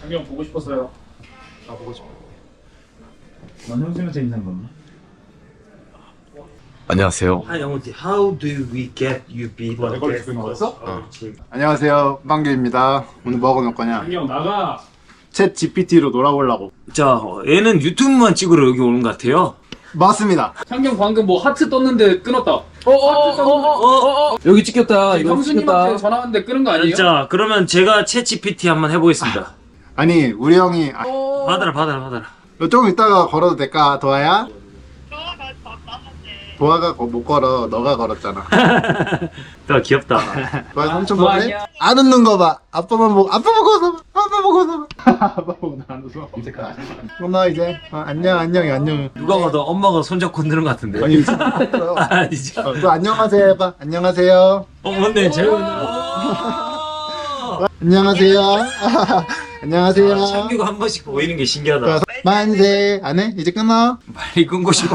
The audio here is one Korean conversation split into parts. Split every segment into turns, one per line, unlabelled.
장경 보고 싶었어요.
나 보고 싶어.
난 형수한테 있는 건가?
안녕하세요.
Hi, Amonti. How do we get you people?
내 걸로 찍는 거였어?
안녕하세요, 빵규입니다. 오늘 뭐 하고 놀 거냐?
장경 나가.
챗 GPT로 놀아보려고.
자, 얘는 유튜브만 찍으러 여기 오는 것 같아요.
맞습니다.
장경 방금 뭐 하트 떴는데 끊었다.
여기 찍혔다. 이거
형수님한테
찍혔다.
전화 왔는데 끊은 거 아니에요?
자, 그러면 제가 챗 GPT 한번 해보겠습니다.
아니, 우리 형이
받아라.
조금 이따가 걸어도 될까, 도아야? 도아가 못 걸어, 너가 걸었잖아.
더 귀엽다.
도아 삼촌
도아
보네?
아니야.
안 웃는 거 봐. 아빠만 보고, 아빠 보고 웃어. 아빠 보고 웃어. 아빠 보고 안 웃어. 나 이제 안녕, 안녕.
누가 봐도 엄마가 손잡고 흔드는 것 같은데.
아니, 진짜.
아니죠?
또 안녕하세요 해봐. 안녕하세요.
맞네.
안녕하세요. 안녕하세요.
창규가 한 번씩 보이는 게 신기하다.
만세. 안 해? 이제 끊어.
빨리 끊고 싶어.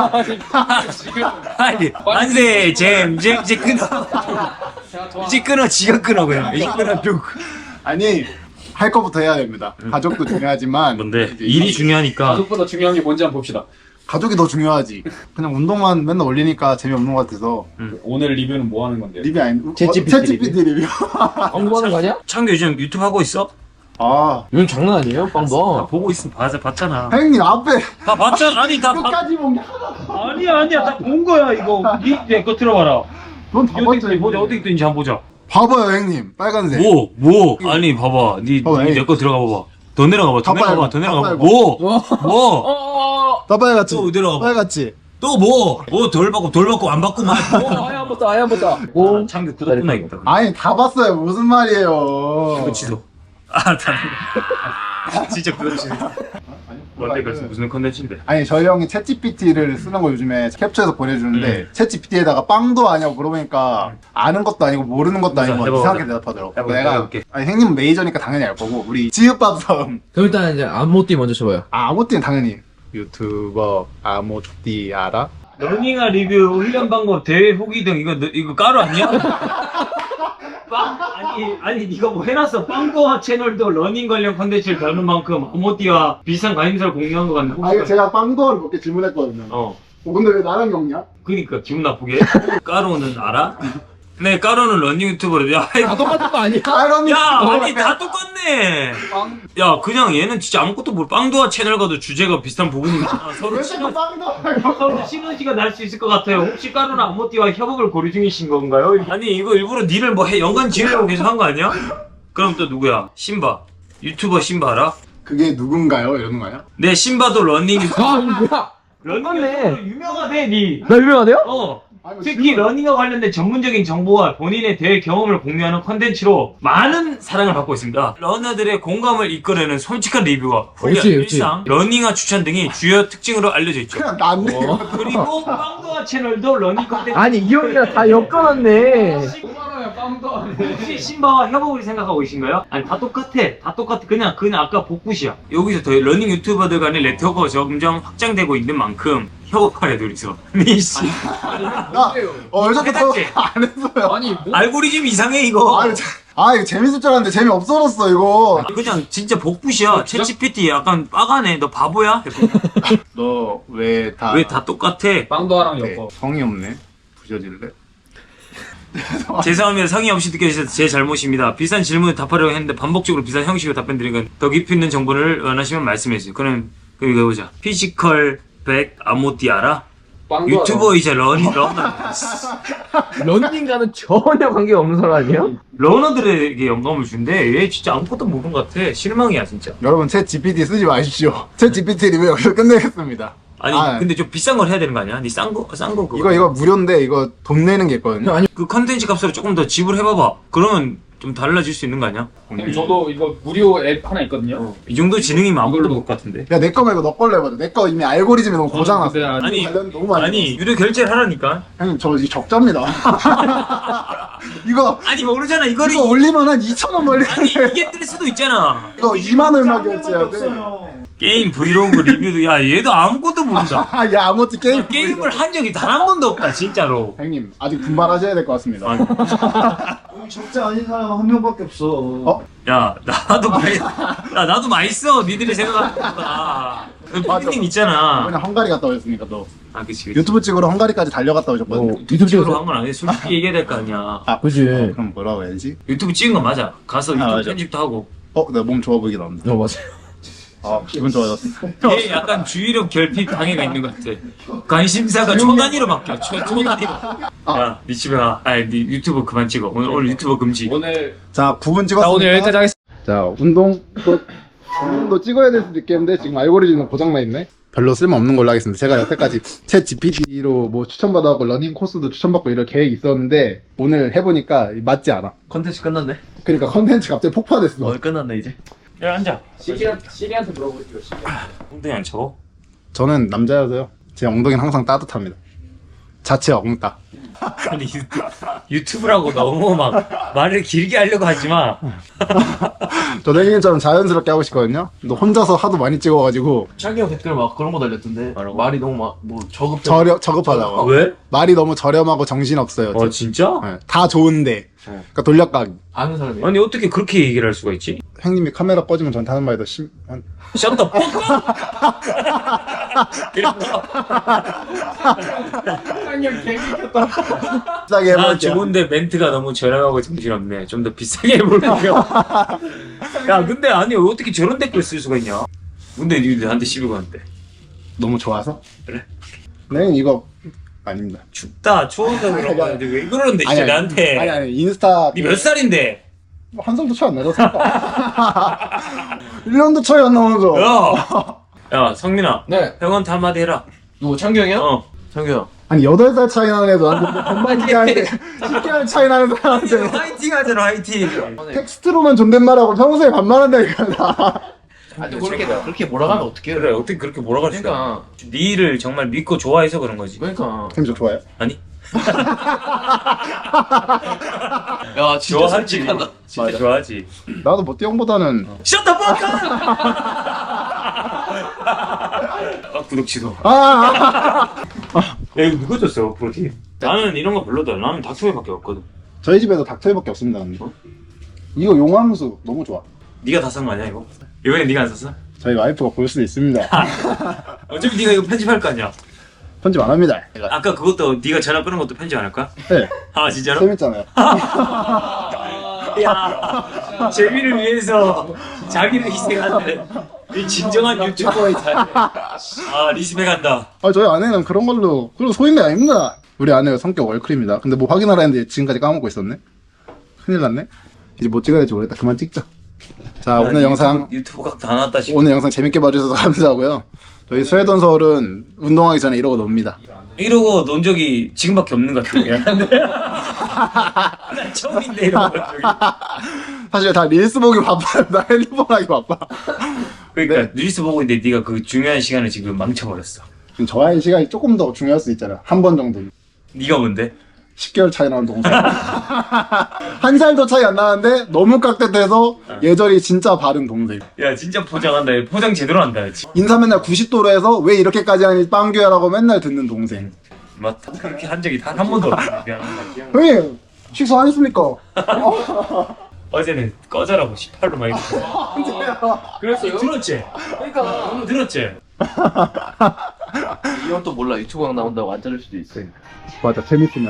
빨리. 만세, 이제 끊어. 이제 끊어, 지가 끊어, 그냥. 이제 끊어, 쭉.
아니, 할 거부터 해야 됩니다. 가족도 중요하지만.
뭔데?
이제
일이 중요하니까.
가족보다 중요한 게 뭔지 한번 봅시다.
가족이 더 중요하지. 그냥 운동만 맨날 올리니까 재미없는 것 같아서.
오늘 리뷰는 뭐 하는 건데요?
리뷰 아닌
챗GPT
리뷰.
광고하는 거 아니야?
창규 요즘 유튜브 하고 있어?
아,
이건 장난 아니에요, 빵도.
보고 있으면 봤잖아.
형님 앞에
다 봤잖아. 아니,
끝까지 보면
아니야. 다 본 거야, 이거. 내거 들어봐라.
넌다 봤죠.
보자, 어떻게 뜨는지 한번 보자.
봐봐요, 형님. 빨간색.
뭐? 아니, 봐봐.
에이.
내 거 들어가 봐봐. 더 내려가봐, 더 내려가봐.
다
뭐?
다 빨갛지.
또 내려가봐.
빨갛지.
또 뭐? 돌 받고, 안 받고, 뭐?
아예 한 번 더. 오.
창규 구독 끊어야겠다.
아니 다 봤어요. 무슨 말이에요?
그거 취소. 진짜 그거 취소. 뭔데, 그래서 무슨 컨텐츠인데?
아니 저희 형이 챗GPT를 쓰는 거 요즘에 캡처해서 보내주는데 챗GPT에다가 빵도 아냐고 물어보니까 아는 것도 아니고 모르는 것도 아니고
해봐,
이상하게
해봐.
대답하더라고.
해봐,
내가
해볼게.
아니 형님은 메이저니까 당연히 알 거고 우리 지읒밥 섬
그럼 일단 이제 안모띠 먼저 쳐봐요.
아모띠는 당연히 유튜버 아모띠 알아?
러닝화 리뷰 훈련 방법 대회 후기 등 이거 까루 아니야? 아니 네가 뭐 해놨어. 빵도화 채널도 러닝 관련 컨텐츠를 다루는 만큼 아모띠와 비슷한 관심사를 공유한 것 같네.
아 이거 제가 빵도어를 몇 개 질문했거든요. 근데 왜 나랑 엮냐?
그니까 기분 나쁘게. 까루는 알아? 네, 까루는 러닝 유튜버래. 야,
다 똑같은 거 아니야?
아이러니.
아니 다 똑같네. 야, 그냥 얘는 진짜 아무것도 모르. 빵도화 채널 가도 주제가 비슷한 부분이 있잖아. 서로
왜 자꾸 빵도어를
서로 시너지가 날 수 있을 것 같아요. 혹시 까루나 아모띠와 협업을 고려 중이신 건가요? 아니 이거 일부러 니를 뭐 연관 지으려고 계속 한 거 아니야? 그럼 또 누구야? 신바. 유튜버 신바 알아?
그게 누군가요? 이러는 거야?
네, 신바도 러닝 유튜버.
아, 이거 뭐야?
러닝 유튜버로 유명하대, 니.
나 유명하대요?
특히 러닝과 관련된 전문적인 정보와 본인의 대회 경험을 공유하는 컨텐츠로 많은 사랑을 받고 있습니다. 러너들의 공감을 이끌어내는 솔직한 리뷰와 훈련,
그렇지, 그렇지.
일상, 러닝화 추천 등이 주요 특징으로 알려져 있죠.
그냥 난데.
그리고 빵도화 채널도 러닝 컨텐츠.
아니, 이 형이랑 다 엮어놨네.
5만원에 빵도 안
혹시 신바와 협업을 생각하고 계신가요? 아니 다 똑같아. 그냥 아까 복붙이야. 여기서 더 러닝 유튜버들 간의 네트워크가 점점 확장되고 있는 만큼 협업하려 둘이서. 니씨.
왜 자꾸
해봤지?
안 했어요?
아니 뭐
알고리즘 이상해 이거.
이거 재밌을 줄 알았는데 재미 없어졌어 이거.
그냥 진짜 복붙이야. 챗GPT 약간 빠가네. 너 바보야?
너 왜
왜 다 똑같아?
빵도아랑 엮어.
성의 없네. 부셔질래?
죄송합니다. 성의 없이 느껴지셔서 제 잘못입니다. 비슷한 질문을 답하려고 했는데 반복적으로 비슷한 형식으로 답변 드리니까 더 깊이 있는 정보를 원하시면 말씀해주세요. 그럼 이거 해보자. 피지컬 100 아모띠 알아?
빵도아.
유튜버이자 러너.
런닝과는 전혀 관계가 없는 사람 아니에요?
러너들에게 영감을 준대. 얘 진짜 아무것도 모르는 것 같아. 실망이야 진짜.
여러분 챗 GPT 쓰지 마십시오. 챗 GPT 리뷰 여기서 끝내겠습니다.
아니 근데 좀 비싼 걸 해야 되는 거 아니야? 니 싼 거 그거.
이거 무료인데 이거 돈 내는 게 있거든요.
아니,
그 컨텐츠 값으로 조금 더 지불해봐봐. 그러면 좀 달라질 수 있는 거 아니야?
형님, 저도 이거 무료 앱 하나 있거든요.
이 정도 지능이면 아무것도 못것 같은데.
야 내 거 말고 너 걸로 해봐. 내 거 이미 알고리즘이 너무 고장났어.
근데
아니
관련 너무 많이.
아니 유료 결제를 하라니까.
형님 저 이거 적자입니다. 이거
아니 모르잖아 이거를.
이거 올리면 한 2,000원 멀리.
아니 이게 뜰 수도 있잖아.
이거 2만 얼마 결제해야 돼.
게임 브이로그 리뷰도 야 얘도 아무것도 모른다.
야 아무튼 게임
게임을 한 적이 단 한 번도 없다 진짜로.
형님 아직 분발하셔야 될 것 같습니다.
적자 아닌 사람 한 명밖에 없어.
어?
야 나도 많이 써. 니들이 생각하는 것보다. 피디님 있잖아.
그냥 헝가리 갔다 오셨으니까 또
아 그치.
유튜브 찍으러 헝가리까지 달려갔다 오셨거든요.
유튜브
찍으러 한 건 아니야. 솔직히 얘기해야 될 거 아니야.
그지.
그럼 뭐라고 해야지?
유튜브 찍은 거 맞아. 가서 유튜브
맞아.
편집도 하고.
내가 몸 좋아 보이게 나온다.
맞아.
기분 좋아졌어.
얘 약간 주의력 결핍 방해가 있는 것 같아. 관심사가 초단위로 바뀌어. 초단위로. 야, 니 집에 가. 아니, 니 유튜브 그만 찍어. 오늘 유튜브 금지.
오늘
자 9분 찍었습니다.
자 오늘 여기까지 하겠습니다.
자 운동도 찍어야 될 수도 있겠는데 지금 알고리즘은 고장나 있네. 별로 쓸모없는 걸로 하겠습니다. 제가 여태까지 챗 GPT로 뭐 추천받아갖고 러닝 코스도 추천받고 이럴 계획이 있었는데 오늘 해보니까 맞지 않아.
컨텐츠 끝났네.
그러니까 컨텐츠 갑자기 폭파됐어.
끝났네 이제.
야, 앉아.
시리한테 물어보시죠.
엉덩이 안 차고?
저는 남자여서요. 제 엉덩이는 항상 따뜻합니다. 자체 엉따.
아니, 유튜브라고 너무 막 말을 길게 하려고 하지 마.
저도 형님처럼 자연스럽게 하고 싶거든요. 너 혼자서 하도 많이 찍어가지고
창기 형 댓글 막 그런 거 달렸던데.
뭐라고?
말이 너무 막 뭐 저급.
저급하다고.
왜?
말이 너무 저렴하고 정신없어요.
진짜?
네, 다 좋은데. 그러니까 돌려가기.
아는 사람이.
아니, 어떻게 그렇게 얘기를 할 수가 있지?
형님이 카메라 꺼지면 저한테 하는 말이 더
셧더 뻑! 이런 거.
비싸게
아,
해볼게요.
좋은데 멘트가 너무 저렴하고 정신없네. 좀 더 비싸게 해볼게요. 야, 근데 아니, 어떻게 저런 댓글 쓸 수가 있냐? 근데 니들 나한테 시비 거는데.
너무 좋아서?
그래.
네, 이거 아닙니다.
춥다, 추워서 그런 거 아닌데 왜 그러는데, 진짜 나한테.
아니, 인스타.
니 몇 살인데?
한 살도 차이 안 나죠? 1년도 차이 안 나면서.
야, 성민아.
네.
형한테 한마디 해라.
누구 창기 형이요?
어.
창기 형.
아니, 8살 차이 나는 애도 나한테 반말 얘기하는데, 10개월 차이 나는 사람한테
화이팅 하잖아, 화이팅.
텍스트로만 존댓말하고 평소에 반말한다니까, 나.
아니 그렇게 몰아가면 어떡해요?
그래, 어떻게 그렇게 몰아갈 수가
그러니까.
니를 정말 믿고 좋아해서 그런 거지.
그러니까.
형님 저 좋아요?
아니?
야 진짜
좋아하지.
솔직하다.
진짜
맞아.
좋아하지.
나도 모띠 형보다는.
셧더 뻑! 구독 취소. 야, 이거 누가 줬어, 프로틴? 나는 이런 거 별로다. 나는 닥터웨이밖에 없거든.
저희 집에도 닥터회밖에 없습니다, 근데. 이거 용암수 너무 좋아.
네가 다 산 거 아니야, 이거? 이번엔 네가 안 샀어?
저희 와이프가 볼 수도 있습니다.
어차피 네가 이거 편집할 거 아니야?
편집 안 합니다.
아까 그것도 네가 전화 끊은 것도 편집 안 할 거야?
네,
아, 진짜로?
재밌잖아요.
야, 재미를 위해서 자기를 희생하는 이 진정한 유튜버의 자세. 아, 리스펙한다.
저희 아내는 그런 걸로, 그런 소인배 아닙니다. 우리 아내가 성격 월클입니다. 근데 뭐 확인하라 했는데 지금까지 까먹고 있었네? 큰일 났네? 이제 뭐 찍어야 될지 모르겠다. 그만 찍자. 자, 오늘 영상,
유튜브 각 다 나왔다 싶어.
오늘 영상 재밌게 봐주셔서 감사하고요. 저희 스웨덴 서울은 운동하기 전에 이러고 놉니다.
이러고 논 적이 지금밖에 없는 것 같은데. 난 처음인데 이러고 논 적이.
사실 다 릴스 보기 바빠요. 나 핸드폰 하기 바빠.
그러니까 뉴스 보고 있는데 네가 그 중요한 시간을 지금 망쳐버렸어.
지금 저와의 시간이 조금 더 중요할 수 있잖아. 한 번 정도.
네가 뭔데?
10개월 차이 나는 동생. 한 살도 차이 안 나는데 너무 깍듯해서 예절이 진짜 바른 동생.
야, 진짜 포장한다. 포장 제대로 한다.
인사 맨날 90도로 해서 왜 이렇게까지 하니 빵규야라고 맨날 듣는 동생.
맞다. 그렇게 한 적이 단 한 번도 없는데 미안하다.
형님 식사 안 했습니까?
어제는 꺼져라고 18로 막 이랬어.
그랬어요?
들었지?
그러니까.
오늘 들었지?
이 형 또 몰라 유튜브 강 나온다고 안 자를 수도 있어.
맞아, 재밌으면.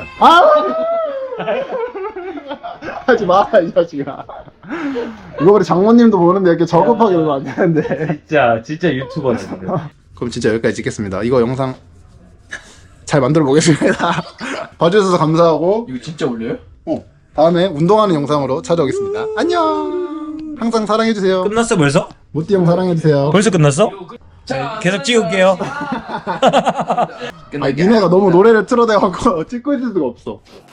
하지 마, 이 자식아. 이거 우리 장모님도 보는데 이렇게 저급하게 그러면 안 되는데.
진짜 유튜버네.
그럼 진짜 여기까지 찍겠습니다. 이거 영상 잘 만들어 보겠습니다. 봐주셔서 감사하고,
이거 진짜 올려요?
다음에 운동하는 영상으로 찾아오겠습니다. 안녕! 항상 사랑해주세요.
끝났어 벌써?
모띠 형 사랑해주세요.
벌써 끝났어? 계속 찍을게요.
아니, 니네가 너무 노래를 틀어대갖고 찍고 있을 수가 없어.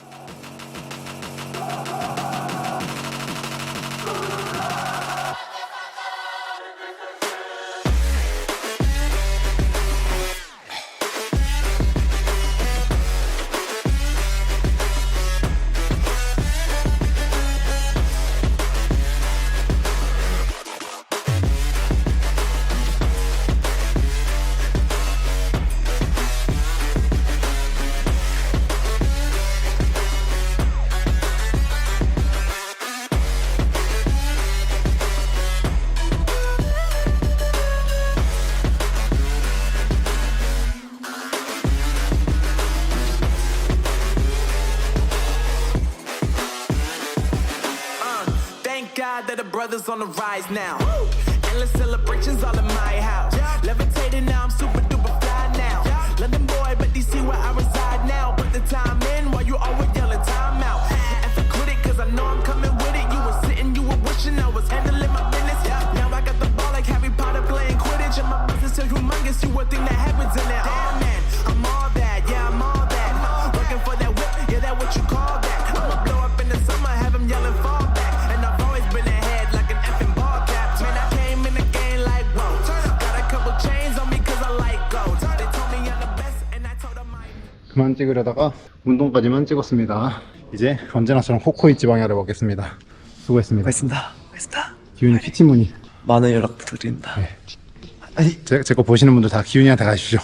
brothers on the rise now. Endless celebrations all in my house. Levitating now, I'm super duper fly now. London boy, but DC where I reside now. Put the time in while you always yelling time out. And for quit it, cause I know I'm coming with it. You were sitting, you were wishing I was handling my business. Now I got the ball like Harry Potter playing Quidditch. And my business so humongous, you would think that happens in it. Damn man, I'm all that, yeah, I'm all that. Working for that whip, yeah, that what you call that. I'ma blow up in the summer, have him yelling fall back. And I've always been ahead like an effing ball cap. Man, I came in the game like, whoa. Got a couple chains on me cause I like gold. They told me I'm the best and I told them I
그만 찍으려다가 운동까지만 찍었습니다. 이제 언제나처럼 코코이 지방야를 먹겠습니다. 수고했습니다.
맛있다.
기훈이 PT 문의.
많은 연락 부탁드립니다.
제 거 보시는 분들 다 기훈이한테 가십시오.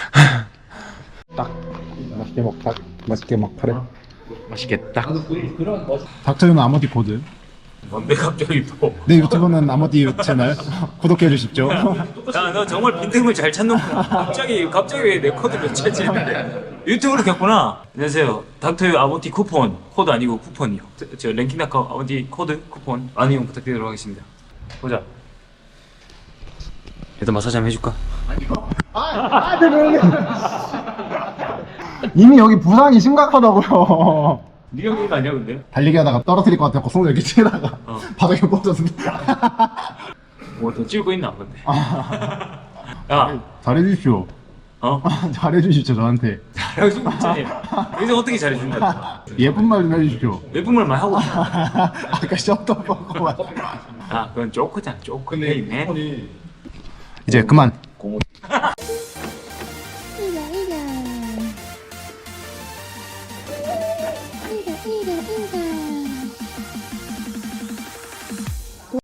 딱 맛있게 먹파래.
맛있겠다.
닥터유는 아모디 코드.
뭔데 갑자기 또?
내 유튜브는 아모디 채널 구독해 주십시오.
야, 너 정말 빈틈을 잘 찾는구나. 갑자기 왜 내 코드를 찾지는데? 유튜브로 켰구나. 안녕하세요. 닥터유 아모티 쿠폰. 코드 아니고 쿠폰이요. 저 랭킹닷컴 아모티 코드 쿠폰 많은 이용 부탁드리도록 하겠습니다. 보자. 얘도 마사지 한번 해줄까?
이미 여기 부상이 심각하다고요.
네 형님 아니야 근데?
달리기 하다가 떨어뜨릴 것 같아서 손을 이렇게 치다가 바닥에 뻗었습니다.
뭐더 찍고 있나 근데? 야,
잘해주십시오.
어?
잘해주십시오 저한테.
잘해주고 있잖아. 여기서 어떻게 잘해준다?
예쁜 말 좀 해주십시오.
예쁜 말만 하고 있어.
아까 셔터 버거만.
아, 그건 조크잖아. 조크. 네.
이제 그만.